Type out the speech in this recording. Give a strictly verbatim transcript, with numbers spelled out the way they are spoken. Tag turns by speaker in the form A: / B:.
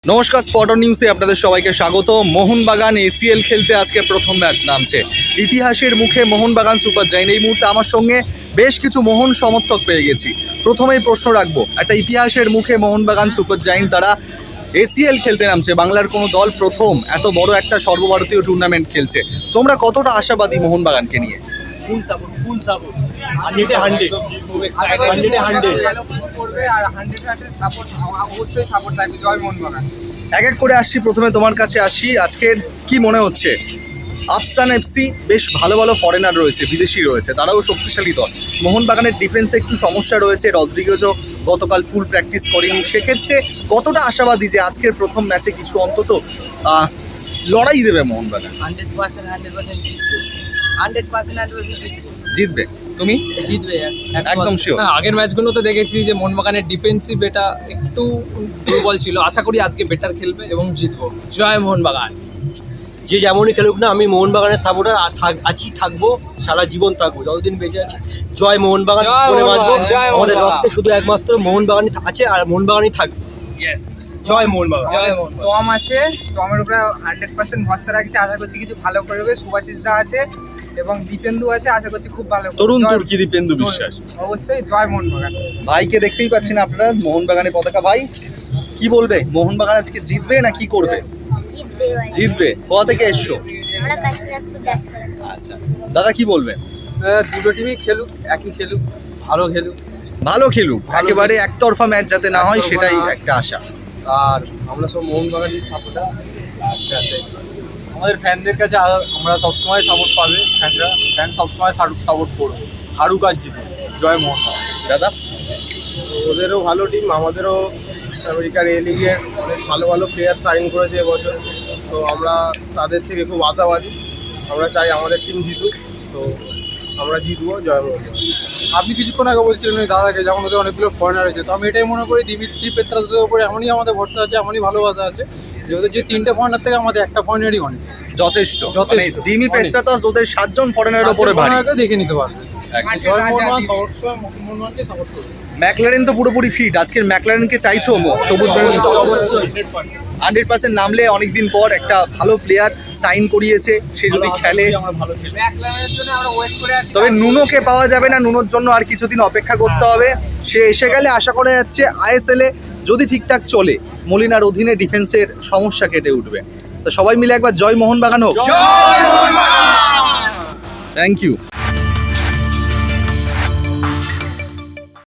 A: নমস্কার, স্পটার নিউজে আপনাদের সবাইকে স্বাগত। মোহনবাগান এসিএল খেলতে আজকে প্রথম ম্যাচ নামছে। ইতিহাসের মুখে মোহনবাগান সুপার জায়েন্ট। এই মুহূর্তে আমার সঙ্গে বেশ কিছু মোহন সমর্থক পেয়ে গেছি। প্রথমেই প্রশ্ন রাখবো, একটা ইতিহাসের মুখে মোহনবাগান সুপার জায়েন্ট তারা এসিএল খেলতে নামছে, বাংলার কোনো দল প্রথম এত বড় একটা সর্বভারতীয় টুর্নামেন্ট খেলছে। তোমরা কতটা আশাবাদী মোহনবাগানকে নিয়ে?
B: ফুল সাপোর্ট ফুল সাপোর্ট হান্ড্রেডে হান্ড্রেড হান্ড্রেডে হান্ড্রেড
C: করবে আর হান্ড্রেড হান্ড্রেড সাপোর্ট অবশ্যই সাপোর্ট থাকবে। জয় মোহনবাগান।
A: এক এক করে আসছি, প্রথমে তোমার কাছে আসি। আজকের কি মনে হচ্ছে? আফসান এফসি বেশ ভালো ভালো ফরেনার রয়েছে, বিদেশি রয়েছে, তারাও শক্তিশালী দল। মোহনবাগানের ডিফেন্সে একটু সমস্যা রয়েছে, রদ্রিগেজও গতকাল ফুল প্র্যাকটিস করেনি। সেক্ষেত্রে কতটা আশাবাদী যে আজকের প্রথম ম্যাচে কিছু অন্তত লড়াই দেবে Mohun Bagan?
C: Hundred percent hundred percent hundred percent hundred
A: জিতবে? তুমি
C: জিতবে
A: একদম শিওর?
D: হ্যাঁ, আগের ম্যাচগুলোতে দেখেছি যে মোহনবাগানের ডিফেন্সিভ এটা একটু দুর্বল ছিল। আশা করি আজকে বেটার খেলবে এবং জিতবো। জয় মোহনবাগান।
B: যে যেমনই খেলুক না, আমি মোহনবাগানের সাপোর্টার আছি, থাকবো, সারা জীবন থাকবো, যতদিন বেঁচে আছি। জয় মোহনবাগান
D: জয়
B: বলে বাঁচবো।
D: মোহনবাগান, জয়
B: আমাদের
D: মোহনবাগান।
B: রক্তে শুধু একমাত্র মোহনবাগানই আছে আর মোহনবাগানই থাকবে।
D: ইয়েস,
B: জয় মোহনবাগান।
D: জয় মোহনবাগান।
C: টম আছে, টমের উপরে হান্ড্রেড পার্সেন্ট ভরসা রাখছি। আশা করছি কিছু ভালো করবে। সুভাশিস দা আছে এবং দীপেন্দু আছে, আশা করছি খুব ভালো করবে।
A: তরুণ
C: জয়-
A: তুর্কি দীপেন্দু বিশ্বাস।
C: অবশ্যই জয় মোহনবাগান।
A: ভাইকে দেখতেই পাচ্ছেন আপনারা, মোহনবাগানের পতাকা। ভাই কি বলবে, মোহনবাগান আজকে জিতবে না কি করবে?
E: জিতবে ভাই।
A: জিতবে। কোথা থেকে এসছো?
E: আমরা কাশীনাথপুর দাস করা।
A: আচ্ছা, দাদা কি বলবেন?
D: দুটো টিমই খেলুক, একই খেলুক, ভালো খেলুক।
A: ভালো খেলুক, একেবারে একতরফা ম্যাচ যাতে না হয়
D: একতরফা
A: সেটাই
D: না হয়।
A: একটা আশা।
D: আর আমরা সব মোহনবাগানের সাপোর্টার।
F: আমাদের ফ্যানদের কাছে আ- আমরা সবসময় সাপোর্ট পাবে। ফ্যানরা ফ্যান সবসময় সাপোর্ট করবে, হারুক আর জিতে। জয় মোহনবাগান।
A: দাদা
G: ওদেরও ভালো টিম, আমাদেরও আমেরিকার এ লিগের অনেক ভালো ভালো প্লেয়ার সাইন করেছে এবছর, তো আমরা তাদের থেকে খুব আশাবাদী। আমরা চাই আমাদের টিম জিতুক, তো আমরা জিতবো। জয় মোহনবাগান।
F: আপনি কিছুক্ষণ আগে বলছিলেন ওই দাদাকে, যখন ওদের অনেকগুলো ফরেনার আছে, তো আমি এটাই মনে করি দিমিত্রি পেত্রাসের উপরে এমনই আমাদের ভরসা আছে, এমনই ভালোবাসা আছে যে ওদের যে তিনটে ফরেনার থেকে আমাদের একটা ফরেনারই অনেক
A: যথেষ্ট,
F: যথেষ্ট।
A: মানে দিমি
F: অনেক।
A: পেত্রাতস ওদের সাতজন ফরেনারের উপরে ভারী।
F: ফরেনারকে দেখে নিতে পারবে।
A: একদম।
F: জয় মোহনবাগান সবসময় মোহনবাগানকে সাপোর্ট করবে।
A: ম্যাকলারেন তো পুরোপুরি ফিট। আজকের ম্যাকলারেনকে চাইছো মো- সবুজ বেরোনি?
F: অবশ্যই
A: হান্ড্রেড পার্সেন্ট নামলে অনেকদিন পর একটা ভালো প্লেয়ার সাইন করিয়েছে, সে যদি খেলে।
F: আমরা ভালো খেলবো।
C: ব্যাকলাইনের জন্য আমরা ওয়েট করে আছি।
A: তবে নুনোকে পাওয়া যাবে না, নুনোর জন্য আর কিছুদিন অপেক্ষা করতে হবে। সে এসে গেলে আশা করা যাচ্ছে আইএসএল এ যদি ঠিকঠাক চলে, মলিনার অধীনে ডিফেন্সের সমস্যা কেটে উঠবে। তো সবাই মিলে একবার জয় মোহনবাগান হোক। Thank you.